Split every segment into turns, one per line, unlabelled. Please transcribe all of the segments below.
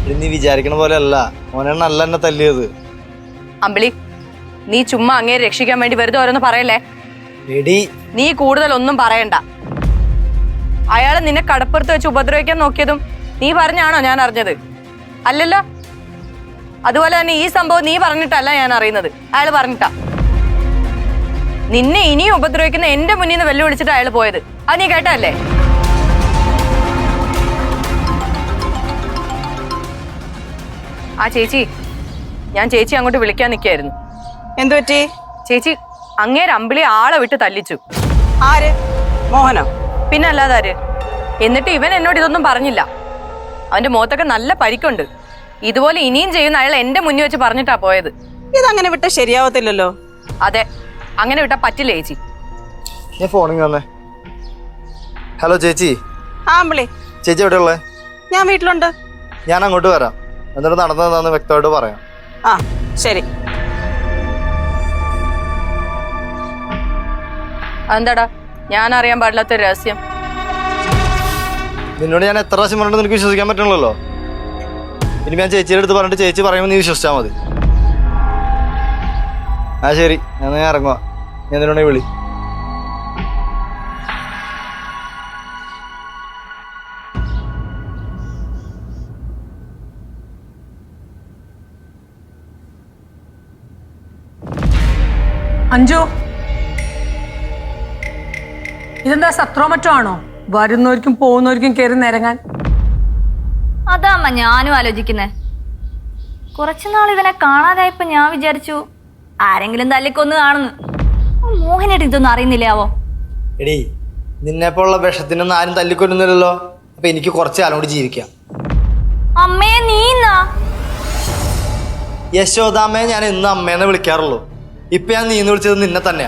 നീ വിചാരിക്കണ പോലെ അല്ല, മോനാണ് നല്ല എന്നെ തല്ലിയത്.
അമ്പിളി, നീ ചുമ്മാ അങ്ങേ രക്ഷിക്കാൻ വേണ്ടി വെറുതെ ഓരോന്ന് പറയല്ലേ.
എടി
നീ കൂടുതൽ ഒന്നും പറയണ്ട. അയാള് നിന്നെ കടപ്പുറത്ത് വെച്ച് ഉപദ്രവിക്കാൻ നോക്കിയതും നീ പറഞ്ഞാണോ ഞാൻ അറിഞ്ഞത്? അല്ലല്ലോ. അതുപോലെ തന്നെ ഈ സംഭവം നീ പറഞ്ഞിട്ടല്ല ഞാൻ അറിയുന്നത്, അയാൾ പറഞ്ഞിട്ടാ. നിന്നെ ഇനിയും ഉപദ്രവിക്കുന്ന എന്റെ മുന്നിൽ നിന്ന് വെല്ലുവിളിച്ചിട്ട് അയാൾ പോയത്. അത് നീ കേട്ടല്ലേ? ആ ചേച്ചി, ഞാൻ ചേച്ചി അങ്ങോട്ട് വിളിക്കാൻ നിൽക്കായിരുന്നു.
എന്തു പറ്റി?
ചേച്ചി, അങ്ങേര് അമ്പിളി ആളെ വിട്ട് തല്ലിച്ചു.
ആര്? മോഹനോ?
പിന്നെ അല്ലാതാര്? എന്നിട്ട് ഇവൻ എന്നോട് ഇതൊന്നും പറഞ്ഞില്ല. അവന്റെ മുഖത്തൊക്കെ നല്ല പരിക്കുണ്ട്. ഇതുപോലെ ഇനിയും ചെയ്യുന്ന അയാൾ എന്റെ മുന്നിൽ വെച്ച് പറഞ്ഞിട്ടാ പോയത്.
ഇതങ്ങനെ വിട്ട ശരിയാവത്തില്ലല്ലോ.
അതെ, അങ്ങനെ വിട്ടാ പറ്റില്ല ചേച്ചി.
ഞാൻ ഫോണിൽ വന്നേ. ഹലോ ചേച്ചി.
ആ അമ്പിളി,
ചേച്ചി എവിടെ ഉള്ളേ?
ഞാൻ വീട്ടിലുണ്ട്.
ഞാൻ അങ്ങോട്ട് വരാം, എന്നിട്ട് നടന്നതെന്ന് വ്യക്തമായിട്ട് പറയാം.
ആ ശരി.
എന്താടാ ഞാൻ അറിയാൻ പാടില്ലാത്തൊരു രഹസ്യം?
നിന്നോട് ഞാൻ എത്ര പ്രാവശ്യം പറഞ്ഞിട്ട് നിനക്ക് വിശ്വസിക്കാൻ പറ്റണല്ലോ. ഇനി ഞാൻ ചേച്ചിയുടെ അടുത്ത് പറഞ്ഞിട്ട് ചേച്ചി പറയുമ്പോൾ നീ വിശ്വസിച്ചാൽ മതി. ആ ശരി, ഞാൻ ഇറങ്ങുക. ഞാൻ നിന്നോട് വിളി.
അഞ്ജു, ഇതെന്താ സത്രോ മറ്റോ ആണോ? വരുന്നവർക്കും പോകുന്നവർക്കും കയറി നിരങ്ങാൻ.
അതാമ്മ ഞാനും ആലോചിക്കുന്നേ. കുറച്ചുനാൾ ഇവനെ കാണാതായപ്പോ ഞാൻ വിചാരിച്ചു ആരെങ്കിലും തല്ലിക്കൊന്ന് കാണുന്നു. മോഹനായിട്ട് ഇതൊന്നും അറിയുന്നില്ലാവോ?
എടീ, നിന്നെപ്പോലുള്ള വിഷത്തിനൊന്നും ആരും തല്ലിക്കൊല്ലുന്നില്ലല്ലോ. അപ്പൊ എനിക്ക് കുറച്ച് കാലം കൂടി ജീവിക്കാം.
അമ്മേ നീന്നാ?
യശോദാമ്മയെ ഞാൻ എന്നും അമ്മേന്ന് വിളിക്കാറുള്ളൂ. ഇപ്പൊ ഞാൻ നീന്ന് വിളിച്ചത് നിന്നെ തന്നെയാ.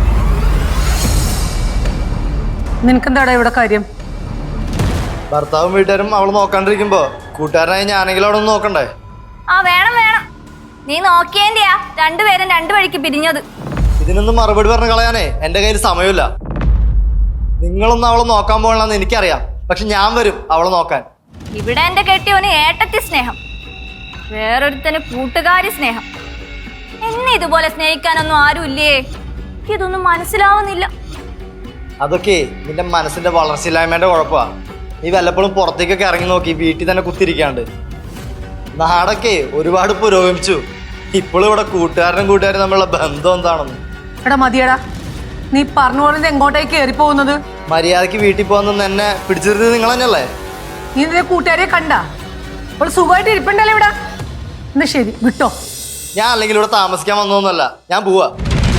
നിനക്കെന്താടാ ഇവിടെ കാര്യം?
ഭർത്താവും വീട്ടുകാരും അവള് നോക്കാണ്ടിരിക്കുമ്പോ കൂട്ടുകാരനായി ഞാനെങ്കിലും അവിടെ ഒന്ന് നോക്കണ്ടേ?
ആ വേണം വേണം, നീ നോക്കിയേന്റെയാ രണ്ടുപേരും രണ്ടു വഴിക്ക് പിരിഞ്ഞത്.
ഇതിനൊന്നും മറുപടി പറഞ്ഞു കളയാനേ എന്റെ കയ്യിൽ സമയമില്ല. നിങ്ങളൊന്നും അവളെ നോക്കാൻ പോകണമെന്ന് എനിക്കറിയാം, പക്ഷെ ഞാൻ വരും അവളെ നോക്കാൻ.
ഇവിടെ എന്റെ കെട്ടിയോന് ഏട്ടത്തി സ്നേഹം, വേറൊരുത്തന് കൂട്ടുകാരി സ്നേഹം. എന്നെ ഇതുപോലെ സ്നേഹിക്കാനൊന്നും ആരുമില്ലേ? ഇതൊന്നും മനസ്സിലാവുന്നില്ല.
അതൊക്കെ നിന്റെ മനസ്സിന്റെ വളർച്ചയില്ലായ്മേന്റെ കുഴപ്പമാ. നീ വല്ലപ്പോഴും പുറത്തേക്കൊക്കെ ഇറങ്ങി നോക്കി വീട്ടിൽ തന്നെ കുത്തിരിക്കാണ്ട്. നാടൊക്കെ ഒരുപാട് പുരോഗമിച്ചു. ഇപ്പോഴും ഇവിടെ കൂട്ടുകാരനും തമ്മിലുള്ള ബന്ധം എന്താണെന്ന്.
എടാ മതിയടാ, നീ പറഞ്ഞു പോലെ എങ്ങോട്ടേക്ക് കയറി പോകുന്നത്?
മര്യാദക്ക് വീട്ടിൽ പോകുന്ന എന്നെ പിടിച്ചിരുന്നത് നിങ്ങൾ തന്നെയല്ലേ?
നീ നിന്റെ കൂട്ടുകാരെ കണ്ട അവൾ സുഖമായിട്ട് ഇരിപ്പുണ്ടല്ലോ ഇവിടെ. എന്നാ ശരി, വിട്ടോ.
ഞാൻ അല്ലെങ്കിൽ ഇവിടെ താമസിക്കാൻ വന്നതൊന്നുമല്ല, ഞാൻ പോവാ.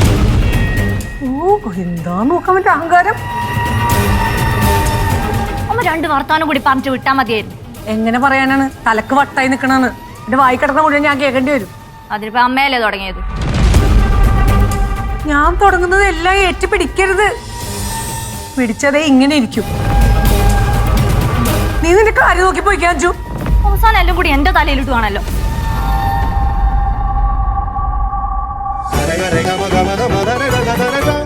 ഓ, എന്താ നോക്കാൻ പറ്റും അഹങ്കാരം.
അമ്മ രണ്ട് വർത്താനം കൂടി പറഞ്ഞിട്ട് വിട്ടാ മതിയായിരുന്നു.
എങ്ങനെ പറയാനാണ്? തലക്ക് വട്ടായി നിക്കണെന്ന് എന്റെ വായി കിടന്ന മുഴുവൻ ഞാൻ കേൾക്കേണ്ടി വരും.
അതിനിപ്പോ അമ്മയല്ലേ തുടങ്ങിയത്?
ഞാൻ തുടങ്ങുന്നത് എല്ലാം ഏറ്റ് പിടിക്കരുത്. പിടിച്ചതേ ഇങ്ങനെ ഇരിക്കും. നീ നിന്റെ കാര്യം നോക്കി പോയിക്കാൻ അഞ്ജു.
അവസാനം എല്ലാം കൂടി എന്റെ തലയിലിട്ടുവാണല്ലോ.
Rega, rega, maga, maga, maga, rega, rega, rega.